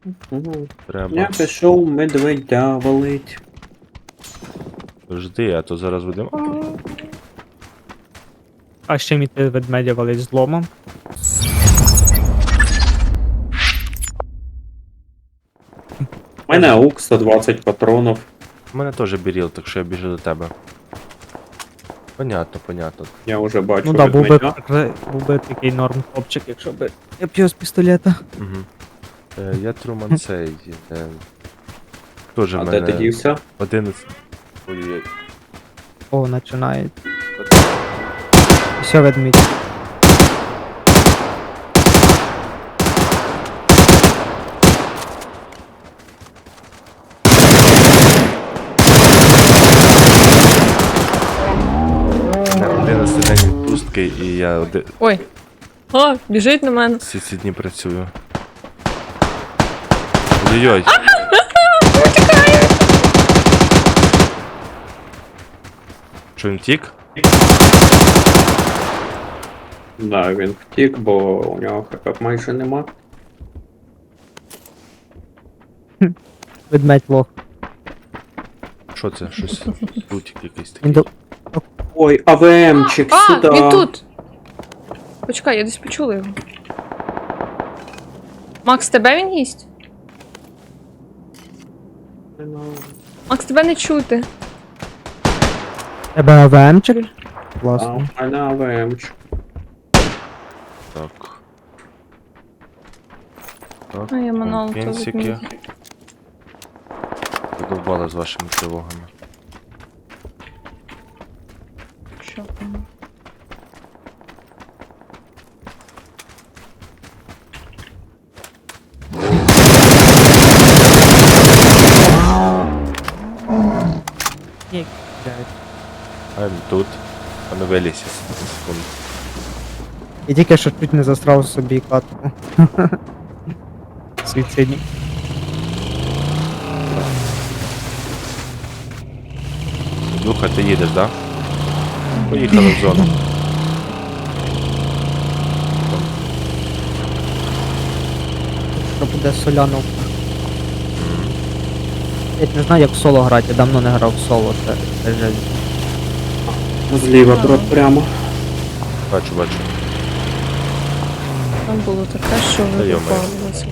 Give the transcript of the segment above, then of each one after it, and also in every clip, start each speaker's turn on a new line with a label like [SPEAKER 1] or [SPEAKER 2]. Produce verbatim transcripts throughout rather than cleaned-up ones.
[SPEAKER 1] Угу.
[SPEAKER 2] Треба.
[SPEAKER 1] Я пішов медведя валить.
[SPEAKER 2] Жди, а то зараз будемо.
[SPEAKER 3] А ще міти ведмедя валить зломом.
[SPEAKER 1] У мене аук сто двадцять патронів.
[SPEAKER 2] У мене теж біріл, так що я біжу до тебе. Понятно, понятно.
[SPEAKER 1] Я вже бачу
[SPEAKER 3] Ну да, був би,
[SPEAKER 1] ведмедя.
[SPEAKER 3] такий- був би такий норм хлопчик, якщо би я б його з пістолета.
[SPEAKER 2] Угу. Е, я Труман цей. Е, теж
[SPEAKER 1] А
[SPEAKER 2] в
[SPEAKER 1] де
[SPEAKER 2] мене
[SPEAKER 1] ти дівся?
[SPEAKER 2] одинадцять. Ой-ой.
[SPEAKER 3] О, починає. Все, ведмідь.
[SPEAKER 2] одинадцятий день відпустки і я оди...
[SPEAKER 4] Ой. О, біжить на мене.
[SPEAKER 2] всі ці дні працюю. Ой-ой-ой. Що він втік?
[SPEAKER 1] Да, він втік, бо у нього хп майже нема.
[SPEAKER 3] Ведмедь лох.
[SPEAKER 2] Що це? Щось лутик якийсь такий.
[SPEAKER 3] Він до...
[SPEAKER 1] Ой, АВМчик,
[SPEAKER 4] А,
[SPEAKER 1] сюди.
[SPEAKER 4] він тут. Почекай, я десь почула його. Макс, тебе він їсть? Макс, тебе не чути.
[SPEAKER 3] Тебе АВМчик?
[SPEAKER 1] А,
[SPEAKER 3] Класно.
[SPEAKER 1] у мене АВМчик.
[SPEAKER 2] Так. Так,
[SPEAKER 4] А я манал то
[SPEAKER 2] компенсики.
[SPEAKER 4] відміню.
[SPEAKER 2] Задовбали з вашими тривогами.
[SPEAKER 4] Що там?
[SPEAKER 3] Ні, блядь.
[SPEAKER 2] А він тут. А не вилізь. Секунду.
[SPEAKER 3] Я тільки що чуть не застрав собі катку. Суїцидні.
[SPEAKER 2] Духа, ти їдеш, да? Поїхали в зону.
[SPEAKER 3] Що буде соляновка. Я не знаю, як в соло грати, я давно не грав в соло, це, це жесть.
[SPEAKER 1] Зліва, брат, прямо.
[SPEAKER 2] Бачу, бачу.
[SPEAKER 4] Там було таке, що
[SPEAKER 2] Та
[SPEAKER 4] ви
[SPEAKER 2] йо-моє.
[SPEAKER 4] випалилися.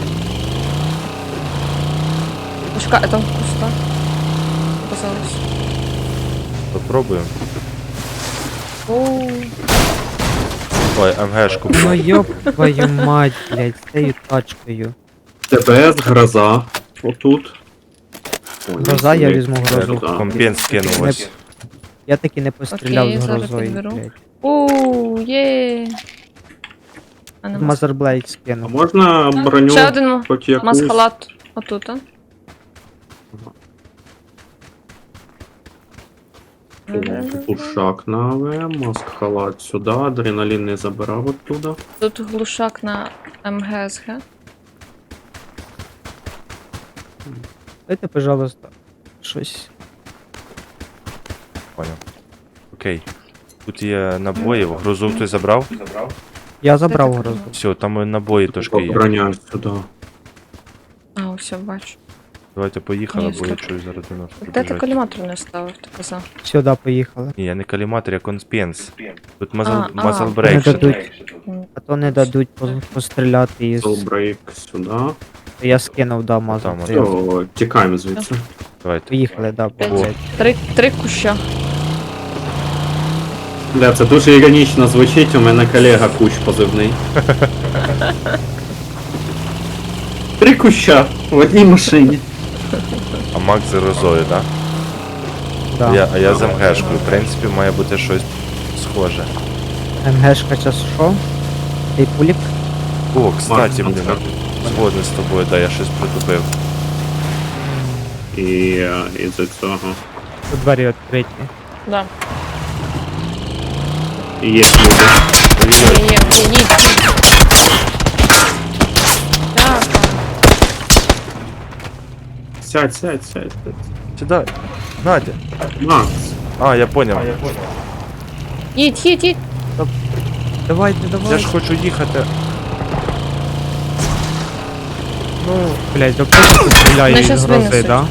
[SPEAKER 4] Почекай, а там куста. Показалось.
[SPEAKER 2] Попробуємо.
[SPEAKER 4] Оу.
[SPEAKER 2] Ой, МГшку.
[SPEAKER 3] Ну ёб твою мать, блядь, з цією тачкою.
[SPEAKER 1] ТБС, гроза. Отут. Ой,
[SPEAKER 3] Гроза, я
[SPEAKER 1] ні,
[SPEAKER 3] візьму грозу.
[SPEAKER 1] гроза.
[SPEAKER 2] Компенс скинув ось.
[SPEAKER 3] Я таки не постріляв
[SPEAKER 4] Окей,
[SPEAKER 3] з
[SPEAKER 4] зараз
[SPEAKER 3] грозою,
[SPEAKER 4] підберу.
[SPEAKER 3] блядь.
[SPEAKER 4] Оу, є. А нема.
[SPEAKER 3] Мазерблейд
[SPEAKER 1] А
[SPEAKER 3] скинув.
[SPEAKER 1] можна броню
[SPEAKER 4] Ще один ма-
[SPEAKER 1] хоч якусь?
[SPEAKER 4] маскалат отут, а?
[SPEAKER 1] Глушак на АВМ, маск халат сюди, адреналін не забирав оттуда.
[SPEAKER 4] Тут глушак на МГСГ.
[SPEAKER 3] Дайте, пожалуйста, щось.
[SPEAKER 2] Понял. Окей. Тут є набої, грузу хтось забрав?
[SPEAKER 3] Я забрав грозу.
[SPEAKER 2] Все, там і набої трошки є.
[SPEAKER 1] Броня сюди.
[SPEAKER 4] А, все, бачу.
[SPEAKER 2] Давайте поїхали,
[SPEAKER 4] Ні,
[SPEAKER 2] бо я
[SPEAKER 4] стоп.
[SPEAKER 2] чую зараз до нас
[SPEAKER 4] Де ти
[SPEAKER 2] прибіжать.
[SPEAKER 4] коліматор не ставив, ти казав?
[SPEAKER 3] Сюди поїхали.
[SPEAKER 2] Ні, я не каліматор, я конспенс. Тут мазл,
[SPEAKER 4] А, а.
[SPEAKER 2] мазл
[SPEAKER 3] Не
[SPEAKER 2] брейк ще тут.
[SPEAKER 3] дадуть, а то не дадуть по- постріляти із...
[SPEAKER 1] Солбрейк сюди.
[SPEAKER 3] Я скинув, да, мазу.
[SPEAKER 2] Там,
[SPEAKER 3] Це-
[SPEAKER 1] Все, тікаємо звідси.
[SPEAKER 2] Давайте.
[SPEAKER 3] Поїхали, да,
[SPEAKER 4] П'ять.
[SPEAKER 3] блядь.
[SPEAKER 4] Три, три куща.
[SPEAKER 1] Бля, це дуже іронічно звучить, у мене колега кущ позивний. Три куща в одній машині.
[SPEAKER 2] А Мак з розою, так?
[SPEAKER 3] Да.
[SPEAKER 2] Я, а я з МГшкою. В принципі, має бути щось схоже.
[SPEAKER 3] МГшка час що? Цей пулік?
[SPEAKER 2] О, кстати,
[SPEAKER 1] Мак,
[SPEAKER 2] блін,
[SPEAKER 1] Мак.
[SPEAKER 2] згоден з тобою, да, я щось притупив.
[SPEAKER 1] І е, із цього.
[SPEAKER 3] Тут двері відкриті.
[SPEAKER 4] Да.
[SPEAKER 1] І є люди.
[SPEAKER 4] Є, є, є, їдь. Дякую.
[SPEAKER 1] Сядь, сядь, сядь. сядь.
[SPEAKER 2] Сідай. Надя.
[SPEAKER 1] Макс.
[SPEAKER 2] А, я поняв.
[SPEAKER 4] Їдь, їдь, їдь.
[SPEAKER 3] Давайте,
[SPEAKER 2] Я
[SPEAKER 3] давайте.
[SPEAKER 2] ж хочу їхати.
[SPEAKER 3] Ну, блядь, до кого стріляє
[SPEAKER 4] Вони
[SPEAKER 3] із
[SPEAKER 4] щас
[SPEAKER 3] грози,
[SPEAKER 4] винесуть.
[SPEAKER 3] да?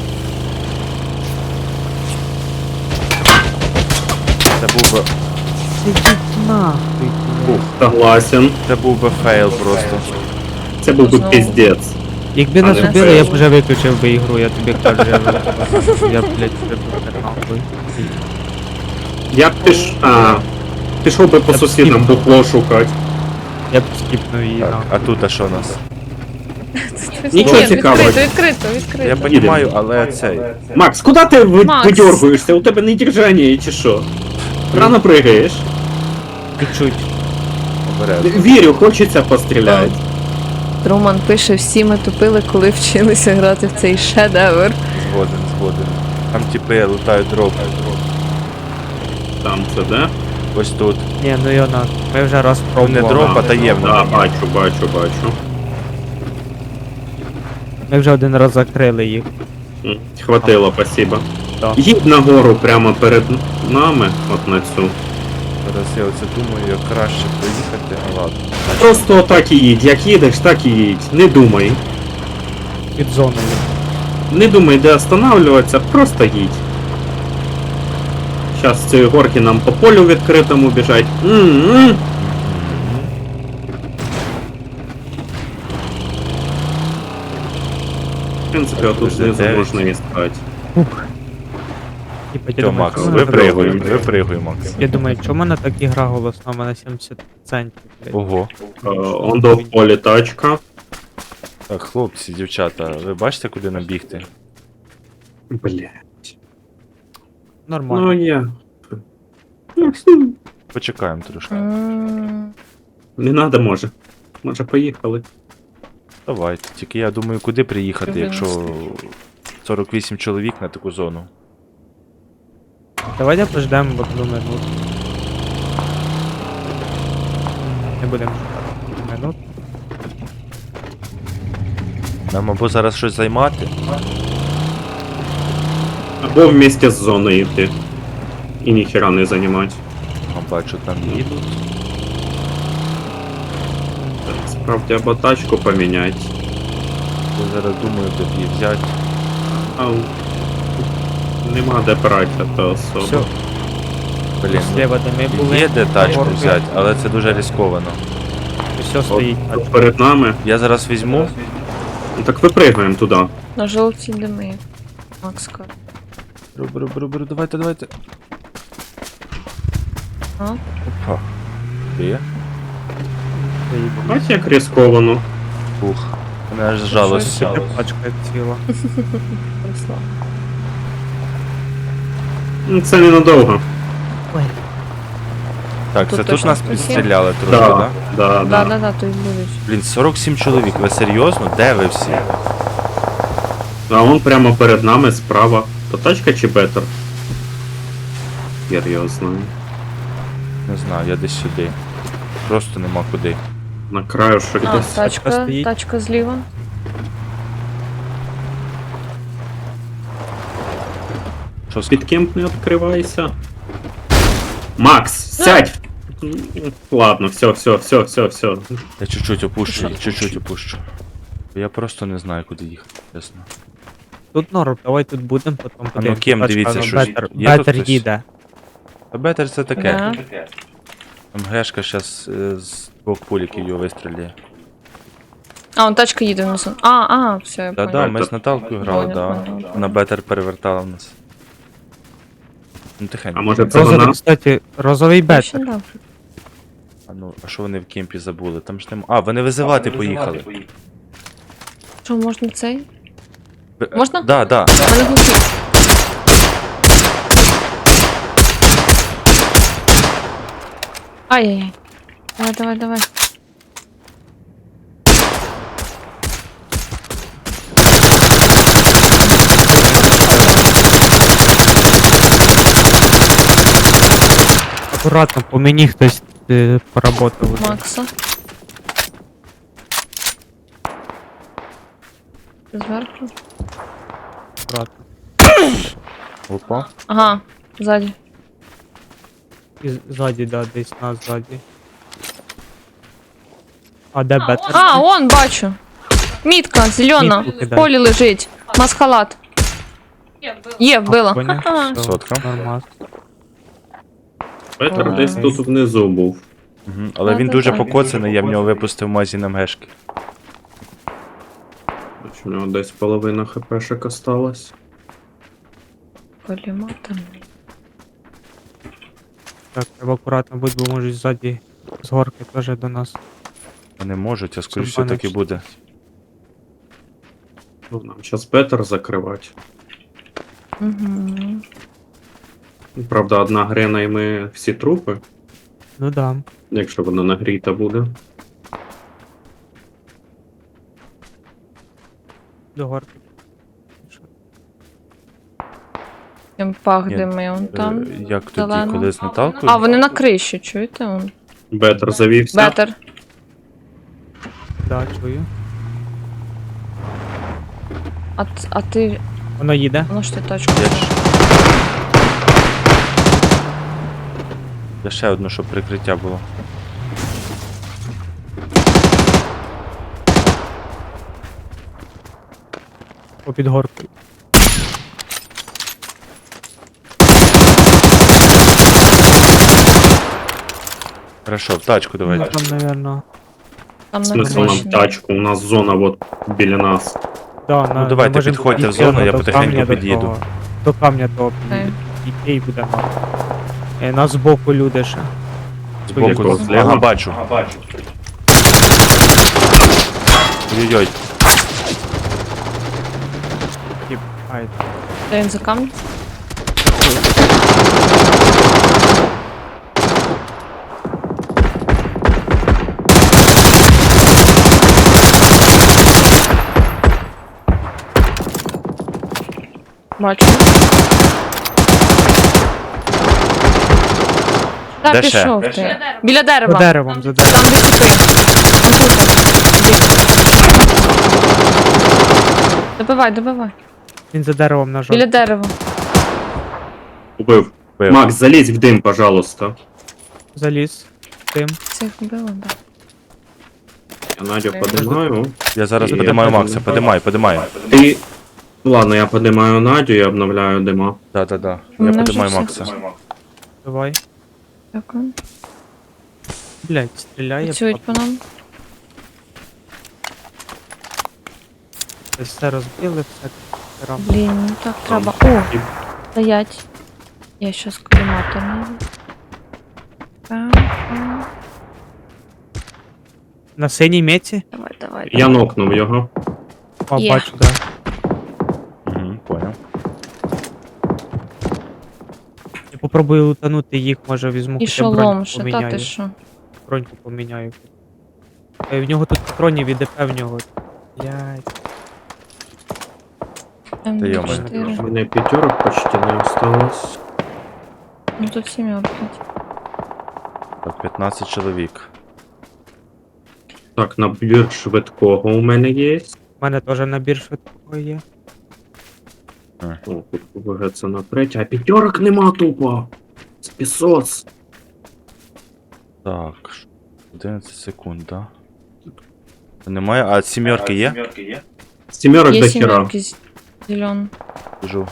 [SPEAKER 2] Це був би,
[SPEAKER 3] Ідіть нахуй.
[SPEAKER 1] Ух, согласен.
[SPEAKER 2] це був би фейл просто.
[SPEAKER 1] Це був би
[SPEAKER 4] Знову.
[SPEAKER 1] піздець.
[SPEAKER 3] Якби
[SPEAKER 1] А
[SPEAKER 3] нас
[SPEAKER 1] не
[SPEAKER 3] убили, я б
[SPEAKER 1] фейл.
[SPEAKER 3] вже виключив би ігру, я тобі кажу, я, вже- я блядь, прибув нахуй.
[SPEAKER 1] Я б піш... А, пішов би по
[SPEAKER 3] Я б
[SPEAKER 1] сусідам
[SPEAKER 3] скіпнув.
[SPEAKER 1] букло шукати.
[SPEAKER 3] Я б скіпнув її
[SPEAKER 2] Так,
[SPEAKER 3] нахуй.
[SPEAKER 2] а тут а що у нас?
[SPEAKER 1] Нічого
[SPEAKER 4] Ні,
[SPEAKER 1] цікавого.
[SPEAKER 4] Відкрито, відкрито, відкрито.
[SPEAKER 2] Я розумію, але цей.
[SPEAKER 1] Макс, куди ти ви...
[SPEAKER 4] Макс.
[SPEAKER 1] видергуєшся? У тебе не держання чи що? Рано пригаєш.
[SPEAKER 3] Чуть-чуть.
[SPEAKER 2] Обережно.
[SPEAKER 1] Вірю, хочеться постріляти.
[SPEAKER 4] Роман пише, всі ми тупили, коли вчилися грати в цей шедевр.
[SPEAKER 2] Згоден, згоден. Там типи лутають дроп.
[SPEAKER 1] Там це де?
[SPEAKER 2] Ось тут.
[SPEAKER 3] Ні, ну йо нахуй. Ми вже раз
[SPEAKER 2] Ну, не
[SPEAKER 3] пробували.
[SPEAKER 2] дроп, а таємно.
[SPEAKER 1] Да, бачу, бачу, бачу.
[SPEAKER 3] Ми вже один раз закрили їх.
[SPEAKER 1] М, Хватило, спасибо.
[SPEAKER 3] Так.
[SPEAKER 1] Їдь нагору прямо перед нами, от на цю.
[SPEAKER 2] Зараз я оце думаю, як краще проїхати, а ладно.
[SPEAKER 1] Просто отак і їдь. Як їдеш, так і їдь. Не думай.
[SPEAKER 3] Під зоною.
[SPEAKER 1] Не думай, де останавливатися, просто їдь. Зараз з цієї горки нам по полю відкритому біжать. М-м. В принципі, отут знизу
[SPEAKER 2] дев'ять.
[SPEAKER 1] можна і стати.
[SPEAKER 3] Типа, я
[SPEAKER 2] Все,
[SPEAKER 3] думаю,
[SPEAKER 2] Макс,
[SPEAKER 3] чому мене
[SPEAKER 2] випригуй,
[SPEAKER 1] випригуй.
[SPEAKER 2] випригуй, Макс.
[SPEAKER 3] Я думаю, чому в мене так ігра голосна, у мене сімдесят центів, блядь.
[SPEAKER 2] Ого.
[SPEAKER 1] Е, Он до в полі тачка.
[SPEAKER 2] Так, хлопці, дівчата, ви бачите, куди нам бігти?
[SPEAKER 1] Бля.
[SPEAKER 3] Нормально.
[SPEAKER 1] Ну я.
[SPEAKER 2] Почекаємо трошки.
[SPEAKER 4] М,
[SPEAKER 1] Не надо, може. Може, поїхали.
[SPEAKER 2] Давайте. Тільки я думаю, куди приїхати,
[SPEAKER 4] Щоб
[SPEAKER 2] якщо сорок вісім чоловік на таку зону.
[SPEAKER 3] Давайте пождемо одну минуту. Не будемо чекати минут.
[SPEAKER 2] Нам або зараз щось займати.
[SPEAKER 1] Або вместе з зоною йти. І ніхера не займати.
[SPEAKER 2] А бачу, там їдуть.
[SPEAKER 1] Справді, або тачку поміняти.
[SPEAKER 2] Я зараз думаю, де б її взяти.
[SPEAKER 1] А нема де брати, а то особо.
[SPEAKER 3] Все,
[SPEAKER 2] Блін,
[SPEAKER 3] слева де ми
[SPEAKER 2] ну,
[SPEAKER 3] були.
[SPEAKER 2] є де тачку
[SPEAKER 3] горки.
[SPEAKER 2] взяти, але це дуже ризиковано.
[SPEAKER 3] Все стоїть.
[SPEAKER 1] От перед нами.
[SPEAKER 2] Я зараз візьму.
[SPEAKER 1] Ну так випригуємо туди.
[SPEAKER 4] На жовтій дими. Макс каже.
[SPEAKER 2] Беру, беру, беру, беру, давайте, давайте.
[SPEAKER 4] А?
[SPEAKER 2] Опа. Є?
[SPEAKER 3] стоїть.
[SPEAKER 1] Бачиш, як ризиковано.
[SPEAKER 2] Ух. Мене аж жалость.
[SPEAKER 3] Щось таке пачка ціла.
[SPEAKER 4] Руслан.
[SPEAKER 1] Ну, це ненадовго.
[SPEAKER 3] Ой.
[SPEAKER 2] Так,
[SPEAKER 4] Тут
[SPEAKER 2] це тут
[SPEAKER 4] точно
[SPEAKER 2] нас
[SPEAKER 4] хтось є?
[SPEAKER 2] підстріляли трошки,
[SPEAKER 1] Да,
[SPEAKER 2] так?
[SPEAKER 1] да,
[SPEAKER 4] Да,
[SPEAKER 1] да.
[SPEAKER 4] да, да, то й будуть.
[SPEAKER 2] Блін, сорок сім чоловік, ви серйозно? Де ви всі?
[SPEAKER 1] А он прямо перед нами справа. То тачка чи бетер? Хер його знаю.
[SPEAKER 2] Не знаю, я десь сюди. Просто нема куди.
[SPEAKER 1] На краю що
[SPEAKER 4] А,
[SPEAKER 1] десь.
[SPEAKER 4] тачка,
[SPEAKER 3] стоїть.
[SPEAKER 4] тачка зліва.
[SPEAKER 2] Що з...
[SPEAKER 1] Під кемп не відкривайся. Макс, сядь! Ладно, все, все, все, все, все.
[SPEAKER 2] Я чуть-чуть опущу, я чуть-чуть опущу. Я просто не знаю, куди їхати, чесно.
[SPEAKER 3] Тут норм, давай тут будемо, потім
[SPEAKER 2] ну,
[SPEAKER 3] подивимось.
[SPEAKER 2] ким,
[SPEAKER 3] Тачка,
[SPEAKER 2] дивіться,
[SPEAKER 3] ну,
[SPEAKER 2] що ж-
[SPEAKER 3] Бетер,
[SPEAKER 2] є тут
[SPEAKER 3] Бетер
[SPEAKER 2] хтось?
[SPEAKER 3] їде.
[SPEAKER 2] А бетер це таке.
[SPEAKER 4] Да.
[SPEAKER 2] МГшка зараз з двох пуліків його вистріляє.
[SPEAKER 4] А, он тачка їде внизу. А, а, все, я
[SPEAKER 2] Да-да,
[SPEAKER 4] понял.
[SPEAKER 2] ми з Наталкою грали,
[SPEAKER 4] Понял,
[SPEAKER 2] да.
[SPEAKER 4] понял.
[SPEAKER 2] На бетер перевертала в нас. Ну тихенько.
[SPEAKER 1] А може це
[SPEAKER 3] Розовий,
[SPEAKER 1] вона?
[SPEAKER 3] кстати, розовий
[SPEAKER 4] Очень
[SPEAKER 3] бетер.
[SPEAKER 4] добре.
[SPEAKER 2] А ну, а що вони в кемпі забули? Там ж нема. А, вони визивати поїхали.
[SPEAKER 4] Що, можна цей?
[SPEAKER 2] Б-
[SPEAKER 4] Можна?
[SPEAKER 2] Да, да.
[SPEAKER 4] У мене глухий. Ай-яй-яй. Давай, давай, давай.
[SPEAKER 3] Акуратно, по мені хтось е, поработав. уже.
[SPEAKER 4] Макса. Зверху.
[SPEAKER 3] Акуратно.
[SPEAKER 2] Опа.
[SPEAKER 4] Ага, ззаді.
[SPEAKER 3] І з- ззаді, да, десь нас ззаді. А де бетер?
[SPEAKER 4] А, он, бачу. Мітка, зелена,
[SPEAKER 3] Мітку
[SPEAKER 4] в
[SPEAKER 3] кидай.
[SPEAKER 4] полі лежить. Масхалат. Є, вбила.
[SPEAKER 3] Поняв?
[SPEAKER 4] Ха-ха.
[SPEAKER 3] Все,
[SPEAKER 2] Сотка.
[SPEAKER 3] Нормас.
[SPEAKER 1] Петр
[SPEAKER 4] Ой.
[SPEAKER 1] десь тут внизу був.
[SPEAKER 2] Угу. Але він дуже
[SPEAKER 4] Да-да-да.
[SPEAKER 2] покоцаний, я в нього випустив магазин МГшки.
[SPEAKER 1] У нього десь половина хпшек осталась.
[SPEAKER 4] Поліматом.
[SPEAKER 3] Так, треба акуратно бути, бо можуть ззаді з горки теж до нас.
[SPEAKER 2] Вони можуть, а скоріше
[SPEAKER 3] Щоб
[SPEAKER 2] все так і
[SPEAKER 3] мене-
[SPEAKER 2] буде.
[SPEAKER 1] Нам зараз Петр закривати.
[SPEAKER 4] Угу.
[SPEAKER 1] Правда, одна грена і ми всі трупи,
[SPEAKER 3] Ну да.
[SPEAKER 1] якщо вона нагріта буде.
[SPEAKER 3] До горки. Що?
[SPEAKER 4] Тим пах
[SPEAKER 2] Ні,
[SPEAKER 4] дими, он там.
[SPEAKER 2] Е, Як тоді,
[SPEAKER 4] зелено.
[SPEAKER 2] коли з Наталкою?
[SPEAKER 4] А, вони на криші, чуєте? Он?
[SPEAKER 1] Бетер завівся.
[SPEAKER 4] Бетер.
[SPEAKER 3] Да, чую.
[SPEAKER 4] А, т- а ти.
[SPEAKER 3] Воно їде.
[SPEAKER 4] Ну ж ти точку.
[SPEAKER 2] Я, ж... Я ще одну, щоб прикриття було.
[SPEAKER 3] Попід горкою.
[SPEAKER 2] Хорошо, в тачку
[SPEAKER 3] Ну,
[SPEAKER 2] давайте.
[SPEAKER 3] там, наверно.
[SPEAKER 4] Там на
[SPEAKER 1] Смисл нам
[SPEAKER 4] криші.
[SPEAKER 1] тачку, у нас зона от біля нас.
[SPEAKER 3] Да,
[SPEAKER 2] Ну,
[SPEAKER 3] на,
[SPEAKER 2] давайте,
[SPEAKER 3] ми можемо
[SPEAKER 2] підходьте в
[SPEAKER 3] підійти
[SPEAKER 2] зону,
[SPEAKER 3] до
[SPEAKER 2] я потихеньку
[SPEAKER 3] камня до
[SPEAKER 2] під'їду.
[SPEAKER 3] того. До камня того
[SPEAKER 4] Окей.
[SPEAKER 3] підійти і буде мало. Е, Нас збоку люди ще.
[SPEAKER 2] Збоку.
[SPEAKER 1] Якого?
[SPEAKER 2] Ага,
[SPEAKER 1] Зліва?
[SPEAKER 2] бачу. Ой-ой-ой.
[SPEAKER 3] Тип, ай,
[SPEAKER 4] Де він за камінь? Бачу.
[SPEAKER 2] Де
[SPEAKER 4] Так,
[SPEAKER 2] ще?
[SPEAKER 4] пішов ти. Біля
[SPEAKER 3] За
[SPEAKER 4] дерева.
[SPEAKER 3] деревом, за деревом.
[SPEAKER 4] Там де тупи. Добивай, добивай.
[SPEAKER 3] Він за деревом на
[SPEAKER 4] Біля
[SPEAKER 3] жовтій.
[SPEAKER 4] дерева.
[SPEAKER 1] Убив.
[SPEAKER 2] Бив.
[SPEAKER 1] Макс, залізь в дим, пожалуйста.
[SPEAKER 3] Заліз. Тим.
[SPEAKER 4] Цих вбила, да.
[SPEAKER 1] Я Надю подимаю.
[SPEAKER 2] Я зараз
[SPEAKER 1] І
[SPEAKER 2] подимаю
[SPEAKER 1] я
[SPEAKER 2] Макса,
[SPEAKER 1] подимаю.
[SPEAKER 2] подимай, подимай.
[SPEAKER 1] Ти. Ладно, я подимаю Надю і обновляю дима.
[SPEAKER 2] Да-да-да. Я
[SPEAKER 4] Мене вже
[SPEAKER 2] подимаю
[SPEAKER 4] все.
[SPEAKER 2] Макса.
[SPEAKER 3] Давай.
[SPEAKER 4] Дякую.
[SPEAKER 3] Блять, стріляє.
[SPEAKER 4] Працюють по нам.
[SPEAKER 3] Все, все розбили, все. Рам.
[SPEAKER 4] Блін, ну так треба. О, стоять. Я щас коліматор найду. Пам, пам.
[SPEAKER 3] На синій меті?
[SPEAKER 4] Давай, давай.
[SPEAKER 1] Я нокнув його.
[SPEAKER 3] О,
[SPEAKER 4] Є.
[SPEAKER 3] бачу, да.
[SPEAKER 2] Угу, понял.
[SPEAKER 3] Я попробую лутанути їх, може візьму
[SPEAKER 4] І
[SPEAKER 3] хоча б
[SPEAKER 4] шолом,
[SPEAKER 3] броньку
[SPEAKER 4] що та ти
[SPEAKER 3] поміняю.
[SPEAKER 4] що?
[SPEAKER 3] Броньку поміняю. Е, В нього тут патронів і ДП в нього. Блять.
[SPEAKER 2] Та
[SPEAKER 1] У
[SPEAKER 4] М4.
[SPEAKER 1] мене п'ятерок почти не осталось.
[SPEAKER 4] Ну тут сімерки.
[SPEAKER 2] Так, п'ятнадцять чоловік.
[SPEAKER 1] Так, набір швидкого у мене є.
[SPEAKER 3] У мене теж набір швидкого є.
[SPEAKER 1] О, тут ВГ на третє, а п'ятерок нема тупо. Спісос.
[SPEAKER 2] Так, ш- одинадцять секунд, да? Немає, а сімерки є?
[SPEAKER 1] Сімерок
[SPEAKER 4] Є
[SPEAKER 1] до хера.
[SPEAKER 4] сімерки з- зелен.
[SPEAKER 2] Біжу.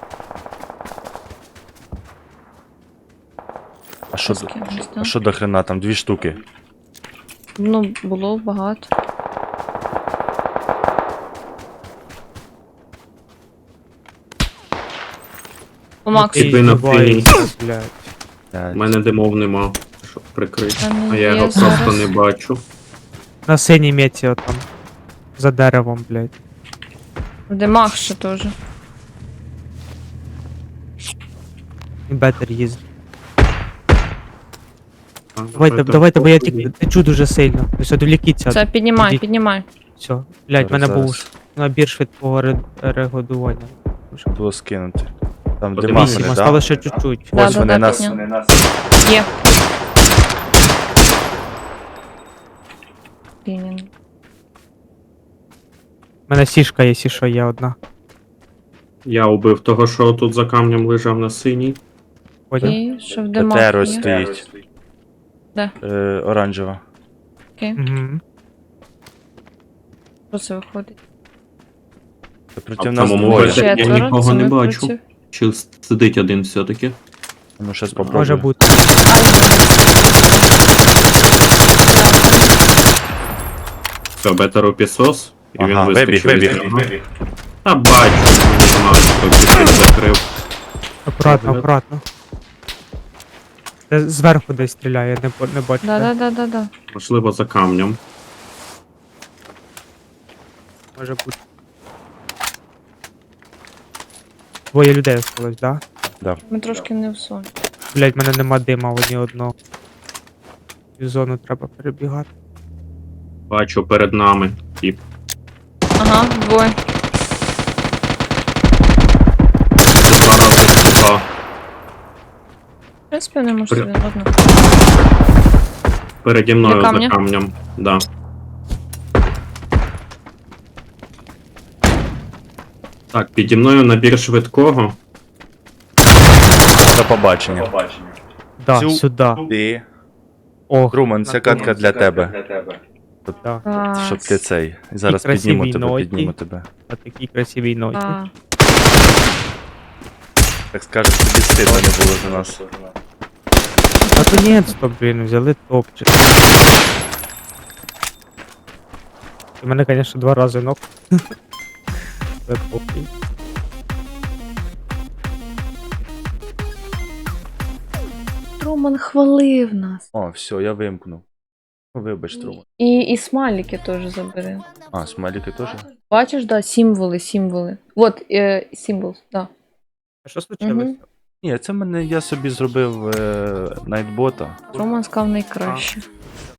[SPEAKER 2] А що,
[SPEAKER 4] З
[SPEAKER 2] до-
[SPEAKER 4] кимось, да?
[SPEAKER 2] а що до хрена там? Дві штуки.
[SPEAKER 4] Ну, було багато. О, Макс,
[SPEAKER 3] Ти
[SPEAKER 1] Типи на
[SPEAKER 3] здіваєшся, блядь.
[SPEAKER 2] Блядь.
[SPEAKER 1] У мене димов нема, щоб прикрити.
[SPEAKER 4] Там
[SPEAKER 1] А я
[SPEAKER 4] є
[SPEAKER 1] його
[SPEAKER 4] зараз.
[SPEAKER 1] просто не бачу.
[SPEAKER 3] На синій меті отам. За деревом, блядь.
[SPEAKER 4] в димах ще теж.
[SPEAKER 3] І бетер їздить.
[SPEAKER 1] А,
[SPEAKER 3] Давайте,
[SPEAKER 1] давайте,
[SPEAKER 3] давайте, бо я
[SPEAKER 1] попробуй.
[SPEAKER 3] тільки течу дуже сильно. Ось відвлікіться.
[SPEAKER 4] Це піднімай,
[SPEAKER 3] Ідіть.
[SPEAKER 4] піднімай.
[SPEAKER 3] Все. Блядь, в мене
[SPEAKER 2] Зараз,
[SPEAKER 3] був
[SPEAKER 2] зараз.
[SPEAKER 3] набір швидкого ре- регодування.
[SPEAKER 2] Було скинути. Там
[SPEAKER 1] Подивіться,
[SPEAKER 2] дима
[SPEAKER 3] Вісім,
[SPEAKER 2] мене,
[SPEAKER 3] осталось
[SPEAKER 2] да?
[SPEAKER 3] ще чуть-чуть.
[SPEAKER 4] Да,
[SPEAKER 2] Ось
[SPEAKER 4] да,
[SPEAKER 2] вони
[SPEAKER 4] да,
[SPEAKER 2] нас.
[SPEAKER 4] підняв. Є. Блін.
[SPEAKER 3] У мене сішка є, сішо є одна.
[SPEAKER 1] Я убив того, що тут за камнем лежав на синій.
[SPEAKER 3] Понял?
[SPEAKER 4] І що в димах
[SPEAKER 2] Петеро
[SPEAKER 4] є.
[SPEAKER 2] стоїть.
[SPEAKER 4] Де?
[SPEAKER 2] Е, оранжева.
[SPEAKER 4] Окей.
[SPEAKER 3] Угу.
[SPEAKER 4] Що це виходить?
[SPEAKER 2] Проти
[SPEAKER 1] А в
[SPEAKER 2] нас
[SPEAKER 1] самому
[SPEAKER 2] двоє.
[SPEAKER 1] базі- Я
[SPEAKER 4] Четверо,
[SPEAKER 1] нікого
[SPEAKER 4] це
[SPEAKER 1] не
[SPEAKER 4] ми
[SPEAKER 1] бачу.
[SPEAKER 4] проти-
[SPEAKER 1] Чи сидить один все-таки?
[SPEAKER 2] Ну, щас
[SPEAKER 3] Може
[SPEAKER 2] попробуємо.
[SPEAKER 3] бути.
[SPEAKER 1] Все, бетеру пісос, і він
[SPEAKER 2] Ага,
[SPEAKER 1] вискочив
[SPEAKER 2] вибіг,
[SPEAKER 1] від
[SPEAKER 2] вибіг.
[SPEAKER 1] нього. Та бачу, не знаю, хто пісок закрив.
[SPEAKER 3] Акуратно,
[SPEAKER 1] Добре.
[SPEAKER 3] акуратно. Це зверху десь стріляє, не, по- не бачу. де.
[SPEAKER 4] Да-да-да-да-да.
[SPEAKER 1] Можливо, за камнем.
[SPEAKER 3] Може бути. Двоє людей осталось, да?
[SPEAKER 4] Ми трошки не в сон.
[SPEAKER 3] Блять, в мене нема дима в ні одного. Цю зону треба перебігати.
[SPEAKER 1] Бачу перед нами. Тіп.
[SPEAKER 4] Ага, двоє.
[SPEAKER 1] Два рази ступа.
[SPEAKER 4] В принципі, не можу
[SPEAKER 1] При-
[SPEAKER 4] один одного.
[SPEAKER 1] Переді мною
[SPEAKER 4] Для
[SPEAKER 1] за
[SPEAKER 4] камня?
[SPEAKER 1] камнем. Да. Так, піді мною набір швидкого.
[SPEAKER 2] До побачення.
[SPEAKER 3] Да,
[SPEAKER 2] Цю-
[SPEAKER 3] сюди.
[SPEAKER 2] Ти.
[SPEAKER 3] Ох,
[SPEAKER 2] Труман, це катка для тебе.
[SPEAKER 3] да.
[SPEAKER 4] Клас.
[SPEAKER 2] Щоб ти цей. Зараз
[SPEAKER 3] красивій
[SPEAKER 2] підніму тебе,
[SPEAKER 3] ноті.
[SPEAKER 2] підніму тебе.
[SPEAKER 3] На такій красивій ноті.
[SPEAKER 4] А,
[SPEAKER 2] Так скажеш, тобі стидно не було за нас.
[SPEAKER 3] Наконець-то, блін, взяли топчик. У мене, звісно, два рази ног. Це похуй.
[SPEAKER 4] Труман хвалив нас.
[SPEAKER 2] О, все, я вимкнув. Ну, вибач, Труман.
[SPEAKER 4] І, і смайлики теж забери.
[SPEAKER 2] А, смайлики теж?
[SPEAKER 4] Бачиш, да, символи, символи. Вот, е, символ, да.
[SPEAKER 3] А що случилося?
[SPEAKER 4] Мгм.
[SPEAKER 2] Ні, це мене я собі зробив е, найтбота.
[SPEAKER 4] Труман сказав найкраще.